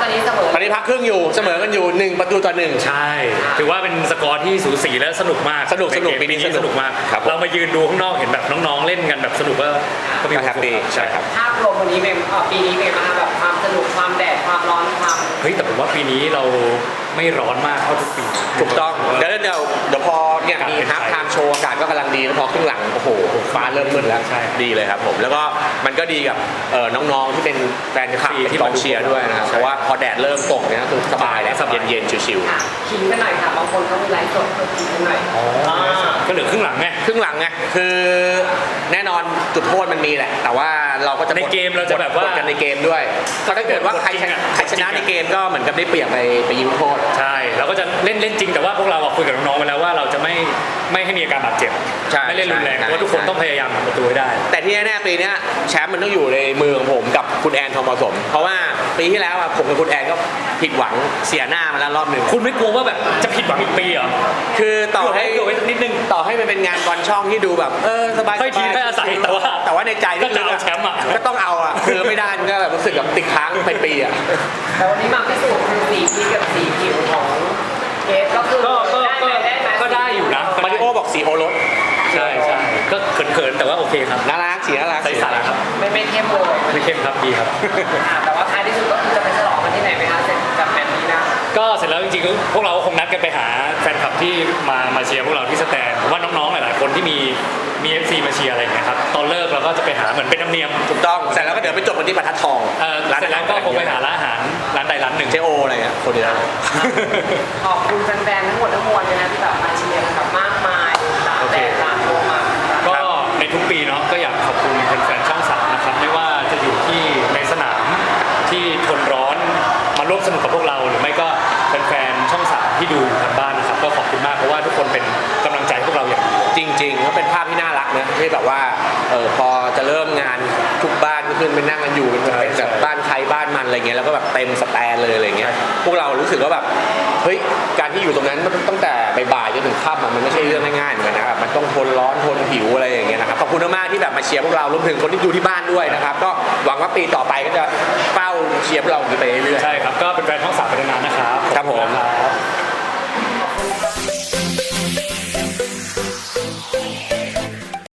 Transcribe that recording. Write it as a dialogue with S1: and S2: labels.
S1: อนนี้เสมอ
S2: ตอนนี้พักครึ่งอยู่เสมอกันอยู่1-1ใช่
S3: ถือว่าเป็นสกอร์ที่สูสีและสนุกมาก
S2: สนุกปีนี้สนุก
S3: มาก
S2: เรา
S3: มายืนดูข้างนอกเห็นแบบน้องๆเล่นกันแบบสนุกก็มี
S2: แฮปปี้ใช่ครับ
S1: ภาพรวมวันนี้เป็นปีนี้เป็นมาแบบความสนุกความแดดความร้อนความ
S3: แต่ผมว่าปีนี้เราไม่ร้อนมากเท่าทุกปี
S2: ถูกต้องเดี๋ยวพอเนี่ยมีฮาล์ฟไทม์โชว์อากาศก็กำลังดีแล้วพอครึ่งหลังโอ้โหฟ้าเริ่มมืดแล้วดีเลยครับผมแล้วก็มันก็ดีกับน้องๆที่เป็นแฟนคลับที่กองเชียร์ด้วยนะครับเพราะว่าพอแดดเริ่มตกเนี่ยคือสบายแล้วเย็นๆชิว
S1: ๆขิงกันหน่อยค่ะบางคนเขามีไลฟ์สดขิงกันหน่อย
S3: ก็เหลือครึ่งหลังไง
S2: คือแน่นอนจุดโทษมันมีแหละแต่ว่าเราก็จะ
S3: ในเกมเราจะแบบว่า
S2: กันในเกมด้วยถ้าเกิดว่าใครชนะในเกมก็เหมือนกับได้เปรียบไปยิงโทษ
S3: ใช่เราก็จะเล่นจริงแต่ว่าพวกเราคุยกับน้องๆไปแล้วว่าเราจะไม่ให้มีอาการบาดเจ็บไม่เล่นรุนแรงเพราะทุกคนต้องพยายามทำประตูให้ได้
S2: แต่ที่แน่ๆปีนี้แชมป์มันต้องอยู่ในมือของผมกับคุณแอนทองผสมเพราะว่าปีที่แล้วผมกับคุณแอนก็ผิดหวังเสียหน้ามาแล้วรอบหนึ่ง
S3: คุณไม่กลัวว่าแบบจะผิดหวังอีกปีเหรอ
S2: คือต่อให้
S3: นิดนึง
S2: ต่อให้มันเป็นงานบอลช่องที่ดูแบบสบาย
S3: ค่อยทีค่อยอาศัย
S2: แต่ว่าในใจ
S3: ก็จะเอาแชมป์
S2: ก็ต้องเอาคือไม่ได้ก็แบบรู้สึกแบบติดค้างไปปี
S1: แต่วันนี้มาพิสูจน์คือสีพีกับสีผิวของเกสก็คือ
S3: ก็ได้อยู่นะ
S2: มาริโอบอกสีโอรส
S3: ใช่ก็เขินๆแต่ว่าโอเคครับ
S2: น่ารักสีน่ารัก
S3: ใสๆครับ
S1: ไม่เข้มเลย
S3: ไม่เข้มครับดีครับ
S1: แต่ว่าท้ายที่สุดก็คือจะไปฉลองกันที่ไหนไหมคะเสร็จจากแมตช์นี้นะ
S3: ก็เสร็จแล้วจริงๆพวกเราคงนัดกันไปหาแฟนคลับที่มาเชียร์พวกเราที่สแตนผมว่าน้องๆหลายๆคนที่มีFC มาเชียร์อะไรอย่างเงี้ยครับตอนเลิกเราก็จะไปหาเหมือนเป็นธรรมเนียม
S2: ถูกต้องเสร็จแล้วก็เดี๋ยวไปจบกันที่บรรทัดทอง
S3: เสร็จแล้วก็คงไปหาร้านอาหารร้านใดร้านหนึ่ง
S2: เจโออะไรเงี้ยคนเดียว
S1: ขอบคุณแฟนๆทั้งหมดทั้งมวลเลยนะที่แบบมาเชียร์แบบมากมายตามโลมา
S3: ก็ในทุกปีเนาะก็อยากขอบคุณแฟนๆช่อง3นะครับไม่ว่าจะอยู่ที่ในสนามที่ทนร้อนมาร่วมสนุกกับพวกเราหรือไม่ก็แฟนๆช่อง3ที่ดูทางบ้านนะครับก็ขอบคุณมากเพราะว่าทุกคนเป็นกำลังใจพวกเราอย่าง
S2: จริงๆก็เป็นภาพที่น่ารักนะที่แบบว่าพอจะเริ่มงานทุกบ้านก็ขึ้นไปนั่งกันอยู่เป็นแบบบ้านใครบ้านมันอะไรเงี้ยแล้วก็แบบเต็มสแตนเลยอะไรเงี้ยพวกเรารู้สึกว่าแบบเฮ้ยการที่อยู่ตรงนั้นตั้งแต่บ่ายจนถึงค่ำมันไม่ใช่เรื่องง่ายๆเหมือนกันนะครับมันต้องทนร้อนทนหิวอะไรอย่างเงี้ยนะครับขอบคุณมากๆที่แบบมาเชียร์พวกเรารวมถึงคนที่ดูที่บ้านด้วยนะครับก็หวังว่าปีต่อไปก็จะเฝ้าเชียร์พวกเราไปเรื่อย
S3: ๆใช่ครับก็เป็นแฟนช่อง3ไปนาน